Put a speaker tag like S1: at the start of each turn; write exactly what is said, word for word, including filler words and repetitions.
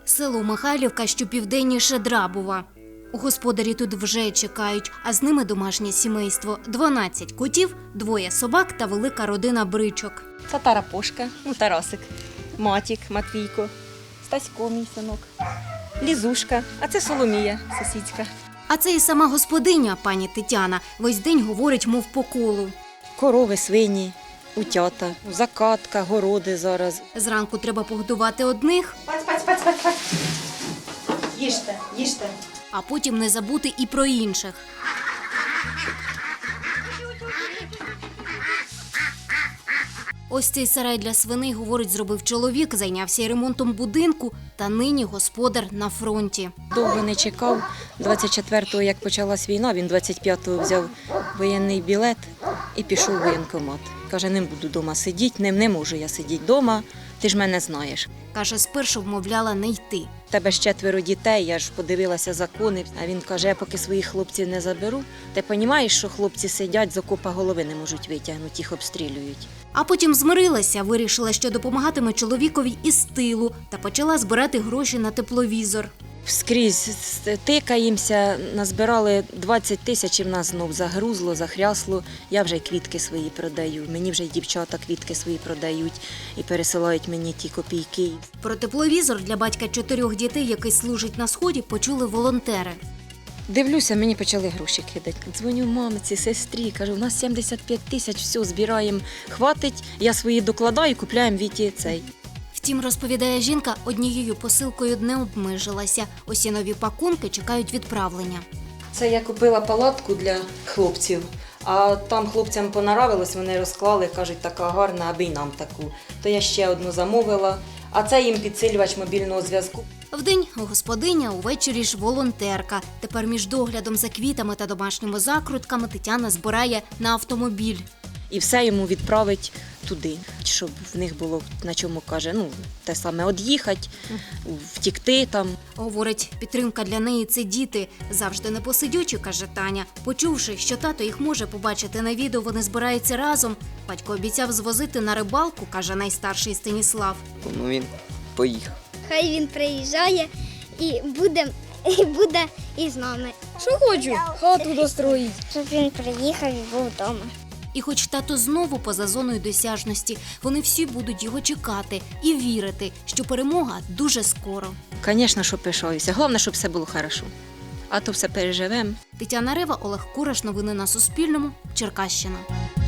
S1: Село Михайлівка, що південніше Драбова. Господарі тут вже чекають, а з ними домашнє сімейство. дванадцять котів, двоє собак та велика родина бричок.
S2: Це Тарапошка, ну Тарасик, Матік, Матвійко, Стасько, мій синок, Лізушка, а це Соломія, сусідська.
S1: А це і сама господиня, пані Тетяна. Весь день говорить, мов по колу.
S2: Корови, свині, утята, закатка, городи зараз.
S1: Зранку треба погодувати одних,
S2: Паць, паць, паць, паць, паць. Їжте, їжте.
S1: а потім не забути і про інших. Ось цей сарай для свиней, говорить, зробив чоловік, зайнявся і ремонтом будинку, та нині господар на фронті.
S2: Довго не чекав. двадцять четвертого, як почалась війна, він двадцять п'ятого взяв воєнний білет і пішов у воєнкомат. Каже, не буду вдома сидіти, не, не можу я сидіти вдома, ти ж мене знаєш.
S1: Каже, спершу вмовляла не йти.
S2: У тебе ж четверо дітей, я ж подивилася закони. А він каже, я поки своїх хлопців не заберу. Ти розумієш, що хлопці сидять, з окопа голови не можуть витягнути, їх обстрілюють.
S1: А потім змирилася, вирішила, що допомагатиме чоловікові із тилу та почала збирати гроші на тепловізор.
S2: Скрізь тикаємося, назбирали двадцять тисяч і в нас знов загрузло, захрясло. Я вже квітки свої продаю, мені вже й дівчата квітки свої продають і пересилають мені ті копійки.
S1: Про тепловізор для батька чотирьох дітей, який служить на Сході, почули волонтери.
S2: Дивлюся, мені почали гроші кидати. Дзвоню мамиці, сестрі, кажу, у нас сімдесят п'ять тисяч, все, збираємо, хватить, я свої докладаю, купляємо Віті цей.
S1: Втім, розповідає жінка, однією посилкою не обмежилася. Усі нові пакунки чекають відправлення.
S2: Це я купила палатку для хлопців, а там хлопцям понравилось, вони розклали, кажуть, така гарна, аби й нам таку. То я ще одну замовила, а це їм підсилювач мобільного зв'язку.
S1: Вдень господиня, увечері ж волонтерка. Тепер між доглядом за квітами та домашніми закрутками Тетяна збирає на автомобіль.
S2: І все йому відправить туди, щоб в них було, на чому каже, ну, те саме од'їхати, втікти там.
S1: Говорить, підтримка для неї – це діти. Завжди непосидючі, каже Таня. Почувши, що тато їх може побачити на відео, вони збираються разом. Батько обіцяв звозити на рибалку, каже найстарший Станіслав.
S3: Ну він поїхав.
S4: Хай він приїжджає і буде, і буде із нами.
S5: Що хочу? Хату достроїть.
S4: Щоб він приїхав і був вдома.
S1: І хоч тато знову поза зоною досяжності, вони всі будуть його чекати і вірити, що перемога дуже скоро.
S2: Звісно, що пишаюся. Головне, щоб все було добре. А то все переживемо.
S1: Тетяна Рева, Олег Кураш. Новини на Суспільному. Черкащина.